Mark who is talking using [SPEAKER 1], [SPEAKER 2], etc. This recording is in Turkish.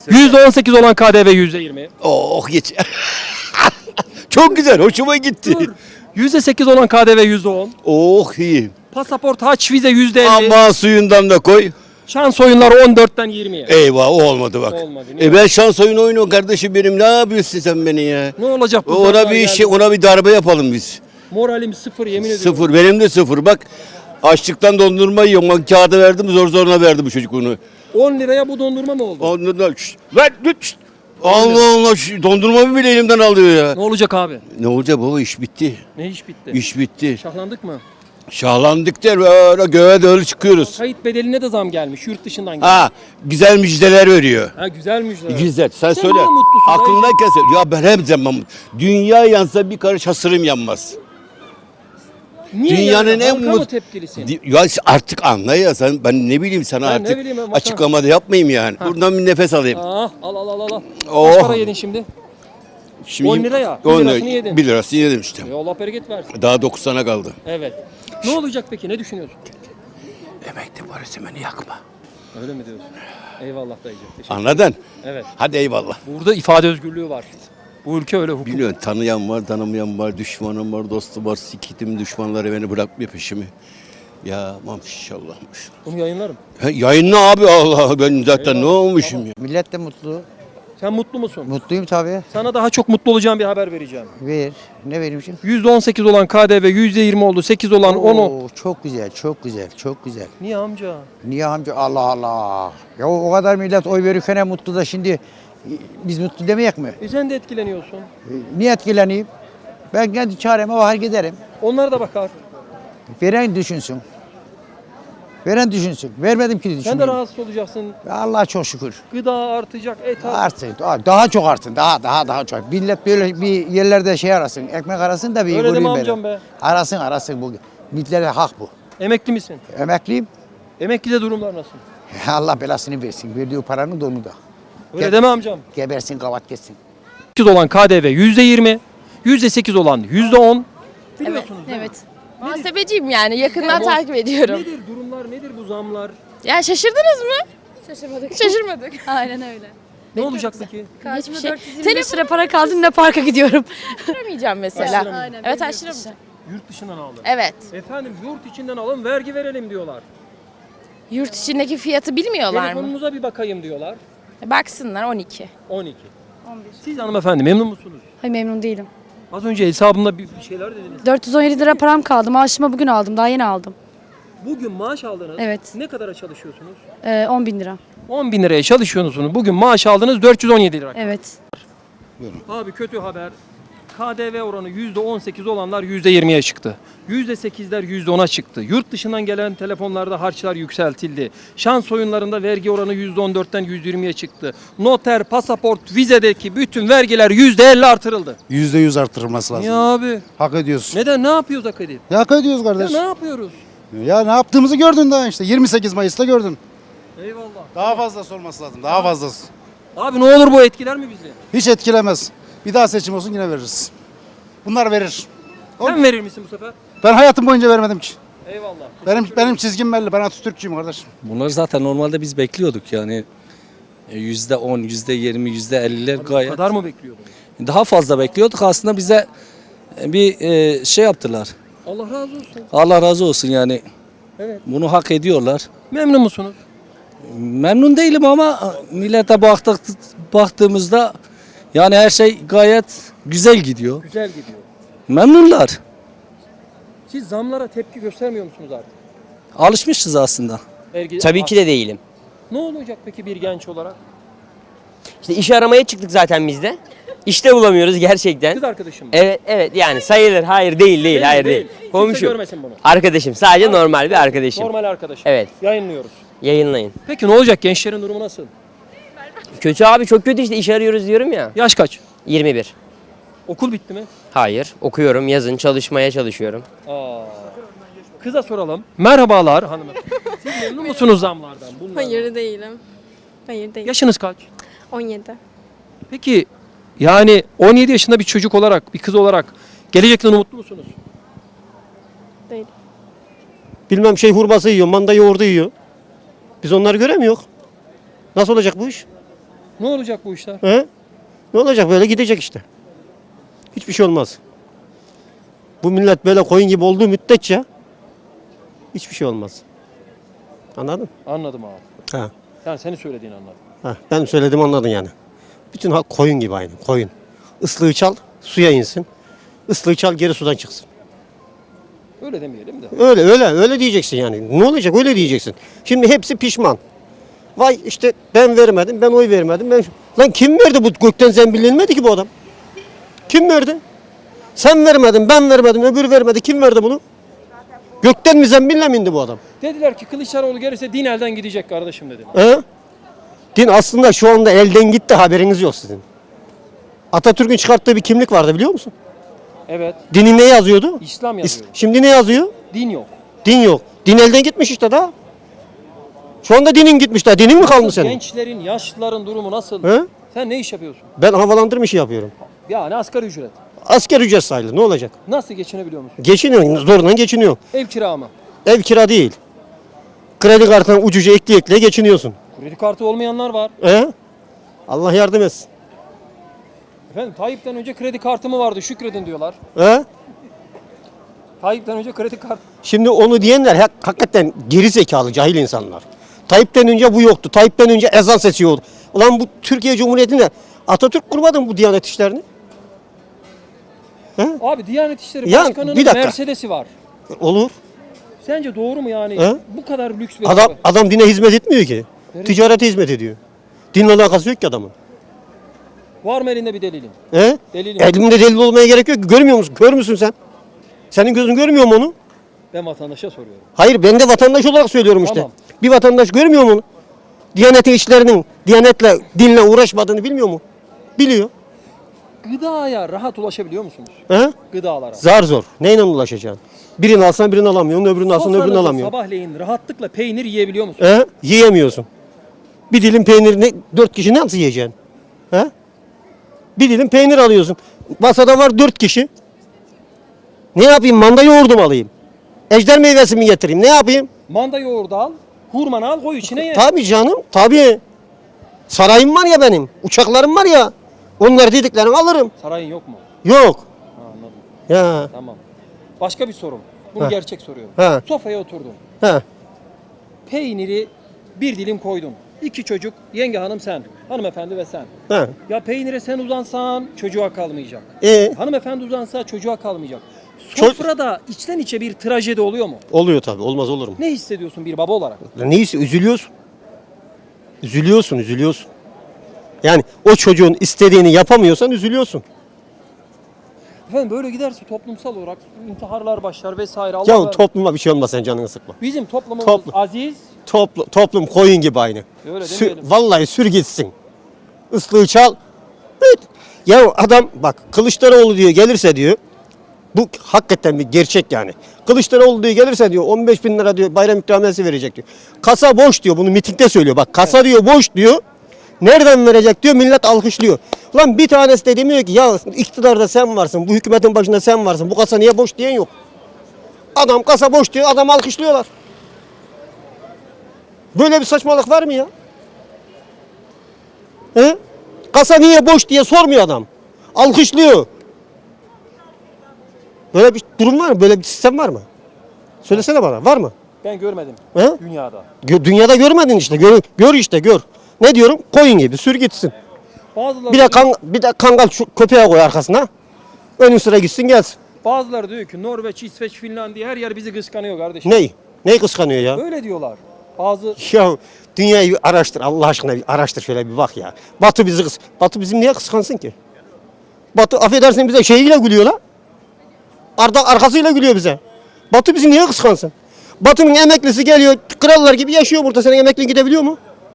[SPEAKER 1] %18 olan KDV %20.
[SPEAKER 2] Oh geç. Çok güzel, hoşuma gitti.
[SPEAKER 1] Dur. %8 olan KDV %10.
[SPEAKER 2] Oh iyi.
[SPEAKER 1] Pasaport, haç, vize %50.
[SPEAKER 2] Ama suyundan da koy.
[SPEAKER 1] Şans oyunları 14'ten 20'ye.
[SPEAKER 2] Eyvah o olmadı bak.
[SPEAKER 1] Olmadı, niye?
[SPEAKER 2] Ben şans oyunu oynuyorum kardeşim benim. Ne yapıyorsun sen beni ya?
[SPEAKER 1] Ne olacak bu?
[SPEAKER 2] Ona
[SPEAKER 1] zamlar
[SPEAKER 2] bir
[SPEAKER 1] geldi?
[SPEAKER 2] şey, ona bir darbe yapalım biz.
[SPEAKER 1] Moralim sıfır, yemin ediyorum.
[SPEAKER 2] Sıfır, benim de sıfır. Bak açlıktan dondurma yiyorum. Bak kağıdı verdim, zor zoruna verdi bu çocuk onu.
[SPEAKER 1] 10 liraya bu dondurma mı oldu?
[SPEAKER 2] Ondan da lan şşt. Allah Allah dondurmamı bile elimden alıyor ya.
[SPEAKER 1] Ne olacak abi?
[SPEAKER 2] Ne olacak baba, iş bitti.
[SPEAKER 1] Ne iş bitti?
[SPEAKER 2] İş bitti.
[SPEAKER 1] Şahlandık mı?
[SPEAKER 2] Şahlandık der böyle göğe doğru çıkıyoruz.
[SPEAKER 1] Kayıt bedeline de zam gelmiş yurt dışından gelmiş.
[SPEAKER 2] Ha güzel müjdeler veriyor.
[SPEAKER 1] Ha güzel müjde.
[SPEAKER 2] Güzel sen
[SPEAKER 1] Sen
[SPEAKER 2] söyle.
[SPEAKER 1] niye mutlusun
[SPEAKER 2] Aklındayken söyle. Ya ben hep zaman dünya yansa bir karış hasırım yanmaz.
[SPEAKER 1] Niye
[SPEAKER 2] Dünyanın
[SPEAKER 1] yani?
[SPEAKER 2] en
[SPEAKER 1] Halka mı
[SPEAKER 2] mut-
[SPEAKER 1] tepkilisin?
[SPEAKER 2] Ya artık anla ya sen, ben ne bileyim sana
[SPEAKER 1] Ben ne
[SPEAKER 2] artık
[SPEAKER 1] bileyim, ben
[SPEAKER 2] açıklamada yapmayayım yani. Buradan bir nefes alayım.
[SPEAKER 1] Ah, al.
[SPEAKER 2] Oh.
[SPEAKER 1] Kaç para yedin şimdi?
[SPEAKER 2] Şimdi
[SPEAKER 1] 10 lira ya,
[SPEAKER 2] 10
[SPEAKER 1] 1 lirasını yedin.
[SPEAKER 2] 1 lirasını yedim işte.
[SPEAKER 1] Allah bereket versin.
[SPEAKER 2] Daha 90'a kaldı.
[SPEAKER 1] Evet. Ne olacak peki? Ne düşünüyorsun?
[SPEAKER 2] Emekli parası beni yakma.
[SPEAKER 1] Öyle mi diyorsun? Eyvallah dayıcığım. Teşekkür
[SPEAKER 2] Anladın?
[SPEAKER 1] Evet.
[SPEAKER 2] Hadi eyvallah.
[SPEAKER 1] Burada ifade özgürlüğü var. Bu ülke öyle hukuk.
[SPEAKER 2] Biliyorsun tanıyan var, tanımayan var, düşmanım var, dostum var, sikitim düşmanları beni bırakmıyor peşimi. Ya maşallah maşallah.
[SPEAKER 1] Bunu yayınlarım.
[SPEAKER 2] Yayınla abi Allah ben zaten ne olmuşum ya.
[SPEAKER 3] Millet de mutlu.
[SPEAKER 1] Sen mutlu musun?
[SPEAKER 3] Mutluyum tabii.
[SPEAKER 1] Sana daha çok mutlu olacağım bir haber vereceğim.
[SPEAKER 3] Ver. Ne vereyim şimdi?
[SPEAKER 1] %18 olan KDV, %20 oldu, 8 olan 10'u.
[SPEAKER 3] Oo, çok güzel, çok güzel, çok güzel.
[SPEAKER 1] Niye amca?
[SPEAKER 3] Niye amca? Allah Allah. Ya o kadar millet oy verirken mutlu da şimdi biz mutlu demeyek mi?
[SPEAKER 1] Sen de etkileniyorsun.
[SPEAKER 3] Niye etkileneyim? Ben kendi çareme bakar giderim.
[SPEAKER 1] Onlar da bakar.
[SPEAKER 3] Veren düşünsün. Veren düşünsün. Vermedim ki
[SPEAKER 1] Sen de
[SPEAKER 3] düşünmeyin.
[SPEAKER 1] rahatsız olacaksın.
[SPEAKER 3] Allah'a çok şükür.
[SPEAKER 1] Gıda artacak, et artacak.
[SPEAKER 3] Artsın. Daha çok artsın. Daha çok. Millet böyle bir yerlerde şey arasın. Ekmek arasın da bir
[SPEAKER 1] Öyle deme
[SPEAKER 3] göreyim
[SPEAKER 1] amcam
[SPEAKER 3] beni.
[SPEAKER 1] be.
[SPEAKER 3] Arasın bu. Milletlere hak bu.
[SPEAKER 1] Emekli misin?
[SPEAKER 3] Emekliyim.
[SPEAKER 1] Emeklide durumlar nasıl?
[SPEAKER 3] Allah belasını versin. Verdiği paranın donu da.
[SPEAKER 1] Öyle deme amcam.
[SPEAKER 3] Gebersin, kavat geçsin.
[SPEAKER 1] 8 olan KDV %20, %8 olan %10. Biliyorsunuz değil mi?
[SPEAKER 4] Evet. Muhasebeciyim yani yakından takip ediyorum.
[SPEAKER 1] Nedir durumlar, nedir bu zamlar?
[SPEAKER 4] Ya şaşırdınız mı? Şaşırmadık.
[SPEAKER 5] Aynen öyle.
[SPEAKER 1] Ne olacak peki?
[SPEAKER 5] Karşıma
[SPEAKER 4] şey.
[SPEAKER 5] 425 lira para kaldı ne parka gidiyorum.
[SPEAKER 4] Açtıramayacağım mesela.
[SPEAKER 1] Açtıramayacağım.
[SPEAKER 5] Aynen.
[SPEAKER 4] Evet açtıramayacağım.
[SPEAKER 1] Yurt dışından alın.
[SPEAKER 4] Evet.
[SPEAKER 1] Efendim yurt içinden alın, vergi verelim diyorlar.
[SPEAKER 4] Yurt içindeki fiyatı bilmiyorlar mı?
[SPEAKER 1] Telefonunuza bir bakayım diyorlar.
[SPEAKER 4] Baksınlar 12.
[SPEAKER 1] 12. Siz hanımefendi memnun musunuz?
[SPEAKER 5] Hayır memnun değilim.
[SPEAKER 1] Az önce hesabımda bir şeyler dediniz.
[SPEAKER 5] 417 lira param kaldı. Maaşımı bugün aldım. Daha yeni aldım.
[SPEAKER 1] Bugün maaş aldınız.
[SPEAKER 5] Evet.
[SPEAKER 1] Ne kadara çalışıyorsunuz?
[SPEAKER 5] 10 bin lira.
[SPEAKER 1] 10 bin liraya çalışıyorsunuz. Bugün maaş aldınız 417 lira.
[SPEAKER 5] Evet.
[SPEAKER 1] Abi kötü haber. KDV oranı %18 olanlar %20'ye çıktı. %8'ler %10'a çıktı. Yurt dışından gelen telefonlarda harçlar yükseltildi. Şans oyunlarında vergi oranı %14'ten %20'ye çıktı. Noter, pasaport, vizedeki bütün vergiler %50 artırıldı.
[SPEAKER 6] %100 arttırılması lazım.
[SPEAKER 1] Niye abi?
[SPEAKER 6] Hak ediyorsun.
[SPEAKER 1] Neden? Ne yapıyoruz Akadir?
[SPEAKER 6] Ya hak ediyoruz
[SPEAKER 1] Ya
[SPEAKER 6] kardeş.
[SPEAKER 1] ne yapıyoruz?
[SPEAKER 6] Ya ne yaptığımızı gördün daha işte. 28 Mayıs'ta gördün.
[SPEAKER 1] Eyvallah.
[SPEAKER 6] Daha fazlası olması lazım. Daha fazlası.
[SPEAKER 1] Abi ne olur bu etkiler mi bizi?
[SPEAKER 6] Hiç etkilemez. Bir daha seçim olsun yine veririz. Bunlar verir.
[SPEAKER 1] Sen verir misin bu sefer?
[SPEAKER 6] Ben hayatım boyunca vermedim ki.
[SPEAKER 1] Eyvallah.
[SPEAKER 6] Benim çizgim belli. Ben Atatürkçüyüm kardeşim.
[SPEAKER 7] Bunları zaten normalde biz bekliyorduk yani. %10, %20, %50'ler
[SPEAKER 1] Bu
[SPEAKER 7] gayet.
[SPEAKER 1] kadar mı bekliyordun?
[SPEAKER 7] Daha fazla bekliyorduk. Aslında bize bir şey yaptılar.
[SPEAKER 1] Allah razı olsun.
[SPEAKER 7] Allah razı olsun yani.
[SPEAKER 1] Evet.
[SPEAKER 7] Bunu hak ediyorlar.
[SPEAKER 1] Memnun musunuz?
[SPEAKER 7] Memnun değilim ama millete baktığımızda yani her şey gayet güzel gidiyor.
[SPEAKER 1] Güzel gidiyor.
[SPEAKER 7] Memnunlar.
[SPEAKER 1] Siz zamlara tepki göstermiyor musunuz artık?
[SPEAKER 7] Alışmışız aslında.
[SPEAKER 8] Tabii ki de değilim.
[SPEAKER 1] Ne olacak peki bir genç olarak?
[SPEAKER 8] İşte iş aramaya çıktık zaten biz de. İşte bulamıyoruz gerçekten.
[SPEAKER 1] Kız arkadaşım mı?
[SPEAKER 8] Evet yani sayılır. Hayır değil, hayır değil.
[SPEAKER 1] Kimse
[SPEAKER 8] Komşu.
[SPEAKER 1] görmesin bunu.
[SPEAKER 8] Arkadaşım sadece normal bir arkadaşım.
[SPEAKER 1] Normal arkadaşım.
[SPEAKER 8] Evet.
[SPEAKER 1] Yayınlıyoruz.
[SPEAKER 8] Yayınlayın.
[SPEAKER 1] Peki ne olacak? Gençlerin durumu nasıl?
[SPEAKER 8] Kötü abi çok kötü işte iş arıyoruz diyorum ya.
[SPEAKER 1] Yaş kaç?
[SPEAKER 8] 21.
[SPEAKER 1] Okul bitti mi?
[SPEAKER 8] Hayır okuyorum yazın çalışmaya çalışıyorum.
[SPEAKER 1] Kıza soralım. Merhabalar hanımefendi. Siz memnun musunuz zamlardan? Bunlardan?
[SPEAKER 9] Hayır değilim. Hayır değilim.
[SPEAKER 1] Yaşınız kaç?
[SPEAKER 9] 17.
[SPEAKER 1] Peki yani 17 yaşında bir çocuk olarak, bir kız olarak gelecekten umutlu musunuz?
[SPEAKER 9] Değil.
[SPEAKER 10] Bilmem şey hurması yiyor, manda yoğurdu yiyor. Biz onları göremiyoruz. Nasıl olacak bu iş?
[SPEAKER 1] Ne olacak bu işler?
[SPEAKER 10] He? Ne olacak, böyle gidecek işte. Hiçbir şey olmaz. Bu millet böyle koyun gibi olduğu müddetçe hiçbir şey olmaz. Anladın?
[SPEAKER 1] Anladım abi.
[SPEAKER 10] Ha.
[SPEAKER 1] Yani senin söylediğini anladım.
[SPEAKER 10] Ha. Ben söyledim, anladın yani. Bütün halk koyun gibi aynı, koyun. Islığı çal, suya insin. Islığı çal, geri sudan çıksın.
[SPEAKER 1] Öyle demeyelim de.
[SPEAKER 10] Öyle diyeceksin yani. Ne olacak, öyle diyeceksin. Şimdi hepsi pişman. Vay işte ben vermedim, ben oy vermedim. Lan kim verdi, bu gökten zembillenmedi ki bu adam? Kim verdi? Sen vermedin, ben vermedim, öbürü vermedi. Kim verdi bunu? Gökten mi zembille mi indi bu adam?
[SPEAKER 1] Dediler ki Kılıçdaroğlu gelirse din elden gidecek kardeşim dedi.
[SPEAKER 10] He? Din aslında şu anda elden gitti, haberiniz yok sizin. Atatürk'ün çıkarttığı bir kimlik vardı, biliyor musun?
[SPEAKER 1] Evet.
[SPEAKER 10] Dinin ne yazıyordu?
[SPEAKER 1] İslam yazıyor.
[SPEAKER 10] Şimdi ne yazıyor?
[SPEAKER 1] Din yok.
[SPEAKER 10] Din yok. Din elden gitmiş işte daha. Şu anda dinin gitmiş daha. Dinin mi kaldı senin?
[SPEAKER 1] Gençlerin, yaşlıların durumu nasıl?
[SPEAKER 10] He?
[SPEAKER 1] Sen ne iş yapıyorsun?
[SPEAKER 10] Ben havalandırma işi yapıyorum.
[SPEAKER 1] Yani asgari ücret.
[SPEAKER 10] Asker ücret sayılır. Ne olacak?
[SPEAKER 1] Nasıl geçinebiliyor musun?
[SPEAKER 10] Geçiniyor. Zorla geçiniyor.
[SPEAKER 1] Ev kira mı?
[SPEAKER 10] Ev kira değil. Kredi kartına ucuca ekleye geçiniyorsun.
[SPEAKER 1] Kredi kartı olmayanlar var.
[SPEAKER 10] Allah yardım etsin.
[SPEAKER 1] Efendim Tayyip'ten önce kredi kartı mı vardı? Şükredin diyorlar. Tayyip'ten önce kredi kartı.
[SPEAKER 10] Şimdi onu diyenler hakikaten geri zekalı, cahil insanlar. Tayyip'ten önce bu yoktu. Tayyip'ten önce ezan sesi yoktu. Ulan bu Türkiye Cumhuriyeti'nde Atatürk kurmadı mı bu Diyanet işlerini?
[SPEAKER 1] Abi Diyanet İşleri
[SPEAKER 10] Ya,
[SPEAKER 1] Başkanı'nın
[SPEAKER 10] bir dakika.
[SPEAKER 1] Mercedes'i var.
[SPEAKER 10] Olur.
[SPEAKER 1] Sence doğru mu yani?
[SPEAKER 10] He?
[SPEAKER 1] Bu kadar lüks bir araba.
[SPEAKER 10] Adam dine hizmet etmiyor ki.
[SPEAKER 1] Evet.
[SPEAKER 10] Ticarete hizmet ediyor. Dinle alakası yok ki adamın.
[SPEAKER 1] Var mı elinde bir delilin? Delilin.
[SPEAKER 10] Elimde delil olmaya gerek yok ki. Görmüyor musun? Kör müsün sen? Senin gözün görmüyor mu onu?
[SPEAKER 1] Ben vatandaşa soruyorum.
[SPEAKER 10] Hayır, ben de vatandaş olarak söylüyorum işte.
[SPEAKER 1] Tamam.
[SPEAKER 10] Bir vatandaş görmüyor mu onu? Diyanet işlerinin Diyanetle, dinle uğraşmadığını bilmiyor mu? Biliyor.
[SPEAKER 1] Gıdaya rahat ulaşabiliyor musunuz? Gıdalara.
[SPEAKER 10] Zar zor. Neyle ulaşacaksın? Birini alsan birini alamıyorsun, öbürünü alsan öbürünü
[SPEAKER 1] Sofranızda
[SPEAKER 10] alamıyorsun.
[SPEAKER 1] sabahleyin rahatlıkla peynir yiyebiliyor musunuz?
[SPEAKER 10] Yiyemiyorsun. Bir dilim peynirini 4 kişi nasıl yiyeceksin? Bir dilim peynir alıyorsun. Masada var 4 kişi. Ne yapayım? Manda yoğurdu mu alayım? Ejder meyvesi mi getireyim? Ne yapayım?
[SPEAKER 1] Manda yoğurdu al, hurmanı al, koy içine ye.
[SPEAKER 10] Tabii canım, tabii. Sarayım var ya benim, uçaklarım var ya. Onları dediklerini alırım.
[SPEAKER 1] Sarayın yok mu?
[SPEAKER 10] Yok.
[SPEAKER 1] Ha, anladım.
[SPEAKER 10] Ya.
[SPEAKER 1] Tamam. Başka bir sorum. Bunu
[SPEAKER 10] Ha.
[SPEAKER 1] gerçek soruyorum.
[SPEAKER 10] Ha.
[SPEAKER 1] Sofraya oturdun.
[SPEAKER 10] Ha.
[SPEAKER 1] Peyniri bir dilim koydun. 2 çocuk, yenge hanım sen, hanımefendi ve sen.
[SPEAKER 10] Ha.
[SPEAKER 1] Ya peynire sen uzansan çocuğa kalmayacak. Hanımefendi uzansa çocuğa kalmayacak. Sofrada içten içe bir trajedi oluyor mu?
[SPEAKER 10] Oluyor tabii, olmaz olur mu?
[SPEAKER 1] Ne hissediyorsun bir baba olarak?
[SPEAKER 10] Neyse, üzülüyorsun. Üzülüyorsun. Yani o çocuğun istediğini yapamıyorsan üzülüyorsun.
[SPEAKER 1] Efendim böyle giderse toplumsal olarak intiharlar başlar vesaire.
[SPEAKER 10] Ya
[SPEAKER 1] Allah
[SPEAKER 10] topluma bir şey olmaz, sen canını sıkma.
[SPEAKER 1] Bizim toplumumuz
[SPEAKER 10] Toplum.
[SPEAKER 1] aziz.
[SPEAKER 10] Toplum koyun gibi aynı.
[SPEAKER 1] Öyle demeyelim.
[SPEAKER 10] Vallahi sür gitsin. Islığı çal. Evet. Ya adam bak, Kılıçdaroğlu diyor gelirse diyor. Bu hakikaten bir gerçek yani. Kılıçdaroğlu diyor gelirse diyor 15.000 lira diyor bayram ikramiyesi verecek diyor. Kasa boş diyor, bunu mitingde söylüyor. Bak kasa diyor boş diyor. Nereden verecek diyor, millet alkışlıyor. Lan bir tanesi de demiyor ki ya iktidarda sen varsın, bu hükümetin başında sen varsın, bu kasa niye boş diyen yok. Adam kasa boş diyor, adam alkışlıyorlar. Böyle bir saçmalık var mı ya? Kasa niye boş diye sormuyor adam. Alkışlıyor. Böyle bir durum var mı? Böyle bir sistem var mı? Söylesene bana. Var mı?
[SPEAKER 1] Ben görmedim dünyada.
[SPEAKER 10] Dünyada görmedin işte. Gör işte gör. Ne diyorum? Koyun gibi sür gitsin.
[SPEAKER 1] Bazıları
[SPEAKER 10] Bir de kangal şu köpeğe koy arkasına. Önün sıra gitsin gelsin.
[SPEAKER 1] Bazıları diyor ki Norveç, İsveç, Finlandiya her yer bizi kıskanıyor kardeşim.
[SPEAKER 10] Ney? Neyi kıskanıyor ya?
[SPEAKER 1] Öyle diyorlar. Bazı
[SPEAKER 10] Ya dünyayı bir araştır. Allah aşkına bir araştır, şöyle bir bak ya. Batı bizim niye kıskansın ki? Batı affedersin bize şeyiyle gülüyor la. Arkasıyla gülüyor bize. Batı bizi niye kıskansın? Batı'nın emeklisi geliyor, krallar gibi yaşıyor burada. Senin emeklin gidebiliyor mu?